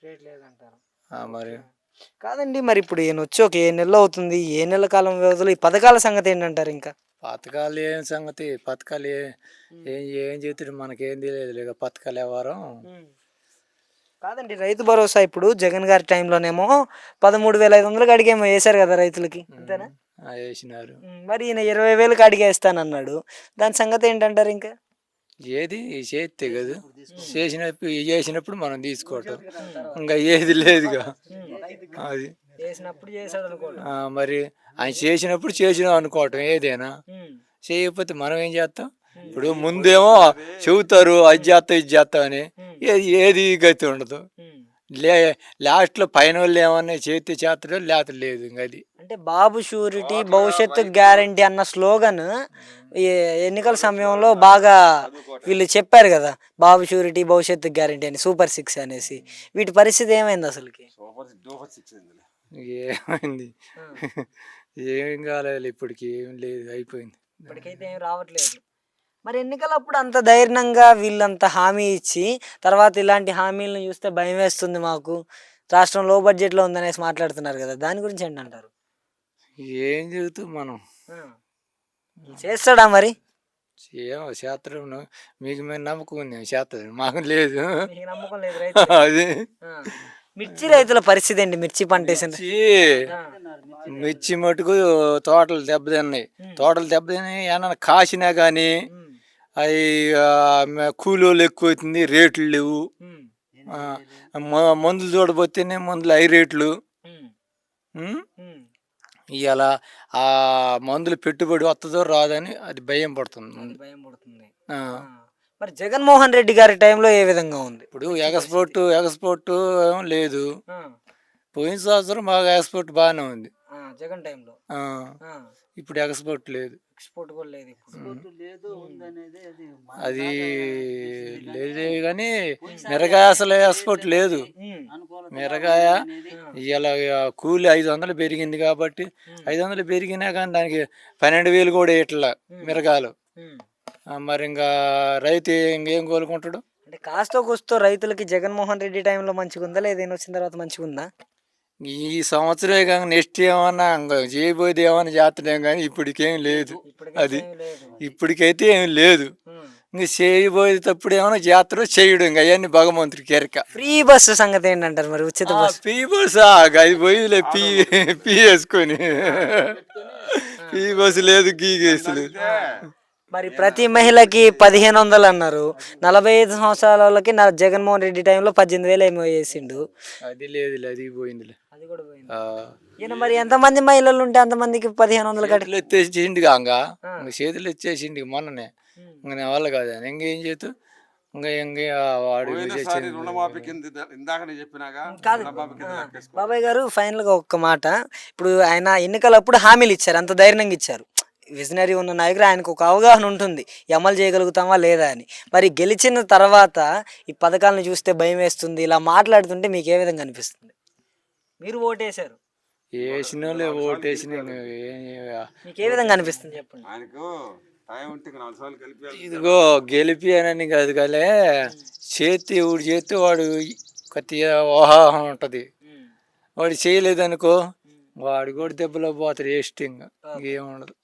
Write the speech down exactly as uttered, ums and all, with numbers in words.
Rate లేదంటారు. ఆ, మరి కాదండి, మరి ఇప్పుడు ఈయన వచ్చి ఒక ఏ నెలలో అవుతుంది, ఏ నెల కాలం వ్యవధిలో ఈ పథకాల సంగతి ఏంటంటారు? ఇంకా పథకాలు ఏం సంగతి, పథకాలు ఏ ఏం ఏం చేతుడు మనకేం తెలియదు లేక పథకాలు ఎవరం. కాదండి, రైతు భరోసా ఇప్పుడు జగన్ గారి టైంలోనేమో పదమూడు వేల ఐదు వందలకి అడిగేమో వేశారు కదా రైతులకి, అంతేనా? వేసినారు. మరి ఈయన ఇరవై వేలకు అడిగేస్తానన్నాడు, దాని సంగతి ఏంటంటారు? ఇంకా ఏది చేస్తే కదా, చేసినప్పుడు చేసినప్పుడు మనం తీసుకోవటం, ఇంకా ఏది లేదుగా. అది చేసినప్పుడు చేశాడు అనుకోండి. మరి ఆయన చేసినప్పుడు చేసినాం అనుకోవటం ఏదైనా, చేయకపోతే మనం ఏం చేస్తాం? ఇప్పుడు ముందేమో చెబుతారు అది చేస్తాం ఇది చేస్తాం అని, ఏది ఏది గతి ఉండదు. లే లాస్ట్లో పైన వాళ్ళు ఏమన్నా చేతి చేస్తాడో లేత లేదు. ఇంక అది అంటే బాబు షూరిటీ భవిష్యత్తు గ్యారంటీ అన్న స్లోగన్ ఈ ఎన్నికల సమయంలో బాగా వీళ్ళు చెప్పారు కదా, బాబు షూరిటీ భవిష్యత్తు గ్యారంటీ అని, సూపర్ సిక్స్ అనేసి. వీటి పరిస్థితి ఏమైంది అసలుకి? ఏమైంది? ఏం కాలేదు, ఇప్పటికి ఏం లేదు, అయిపోయింది. ఇప్పటికైతే ఏం రావట్లేదు. మరి ఎన్నికలప్పుడు అంత ధైర్యంగా వీళ్ళంత హామీ ఇచ్చి తర్వాత ఇలాంటి హామీలను చూస్తే భయం వేస్తుంది మాకు, రాష్ట్రం లో బడ్జెట్లో ఉందనేసి మాట్లాడుతున్నారు కదా, దాని గురించి ఏంటంటారు? ఏం చెబుతాం మనం? చేస్తాడా మరి? ఏమో శాస్త్రం, మీకు మేము నమ్మకం ఉంది, శాస్త్రం మాకు లేదు. నమ్మకం లేదు. అది మిర్చి రైతుల పరిస్థితి ఏంటి? మిర్చి పంట వేసింది, మిర్చి మటుకు తోటలు దెబ్బతిన్నాయి. తోటలు దెబ్బతిన్నాయి, ఏమన్నా కాసినా కానీ అవి కూలీలు ఎక్కువ అవుతుంది, రేట్లు లేవు. మందులు చూడబోతేనే మందులు హై రేట్లు. ఇవాళ ఆ మందులు పెట్టుబడి వస్తుందో రాదని అది భయం పడుతుంది. భయం పడుతుంది. మరి జగన్మోహన్ రెడ్డి గారి టైంలో ఏ విధంగా ఉంది? ఇప్పుడు ఎక్స్పోర్ట్ ఎక్స్పోర్ట్ ఏం లేదు. పోయిన సంవత్సరం బాగా ఎక్స్పోర్ట్ బాగానే ఉంది జగన్ టైంలో. ఇప్పుడు ఎక్స్పోర్ట్ లేదు. ఎక్స్పోర్ట్ కూడా లేదు. అది లేదే కానీ మిరగాయ అసలు ఎక్స్పోర్ట్ లేదు. మిరగాయ ఇలా కూలి ఐదు వందలు పెరిగింది కాబట్టి, ఐదు వందలు పెరిగినా కానీ దానికి పన్నెండు వేలు కూడా ఇట్లా మిరగాయలు. మరి ఇంకా రైతు ఇంకేం కోలుకుంటాడు? అంటే కాస్తో కూస్తో రైతులకి జగన్మోహన్ రెడ్డి టైంలో మంచిగా ఉందా, లేదా ఈయన వచ్చిన తర్వాత మంచిగా ఉందా? ఈ సంవత్సరమే కానీ నెక్స్ట్ ఏమన్నా ఇంకా చేయబోయేది ఏమన్నా చేస్తున్నాం కానీ ఇప్పటికేం లేదు. అది ఇప్పటికైతే ఏమి లేదు. ఇంక చేయబోయేది తప్పుడు ఏమైనా చేస్తారో చేయడం, ఇంకా అవన్నీ భగవంతుడికి ఎరక. ఫ్రీ బస్సు సంగతి ఏంటంటారు మరి? ఉచిత బస్సు, ఫ్రీ బస్సు అది పోయిలే, పీ పీ వేసుకొని ఫ్రీ బస్సు లేదు, గీగేసి లేదు. మరి ప్రతి మహిళకి పదిహేను వందలు అన్నారు, నలభై ఐదు సంవత్సరాల వాళ్ళకి నా జగన్మోహన్ రెడ్డి టైంలో పద్దెనిమిది వేలు ఏమో చేసిండు. అది లేదు, అది పోయిందిలే. అది కూడా పోయింది. ఈయన మరి ఎంతమంది మహిళలు ఉంటే అంతమందికి పదిహేను వందలు కట్టి ఎత్తేసిండు కాగా, చేతులు ఎత్తేసిండు మొన్ననే. ఇంకా నా వల్ల కాదు, ఇంకేం చేతు ఇంకా ఇంకా వాడు బాబాయ్ గారు. ఫైనల్ గా ఒక్క మాట, ఇప్పుడు ఆయన ఎన్నికలప్పుడు హామీలు ఇచ్చారు, అంత ధైర్యంగా ఇచ్చారు. విజనరీ ఉన్న నాయకుడు, ఆయనకు ఒక అవగాహన ఉంటుంది అమలు చేయగలుగుతామా లేదా అని. మరి గెలిచిన తర్వాత ఈ పథకాలను చూస్తే భయం వేస్తుంది, ఇలా మాట్లాడుతుంటే మీకు ఏ విధంగా అనిపిస్తుంది? మీరు ఓటేశారు, వేసిన ఓటేసిన మీకు ఏ విధంగా అనిపిస్తుంది చెప్పండి? ఇదిగో గెలిపి అని కాదు కానీ చేతి ఊడి చేతి వాడు కొద్దిగా ఊహాహం ఉంటుంది. వాడు చేయలేదనుకో వాడు కూడా దెబ్బలో పోతాడు, వేస్ట్. ఇంకా ఇంకేముండదు.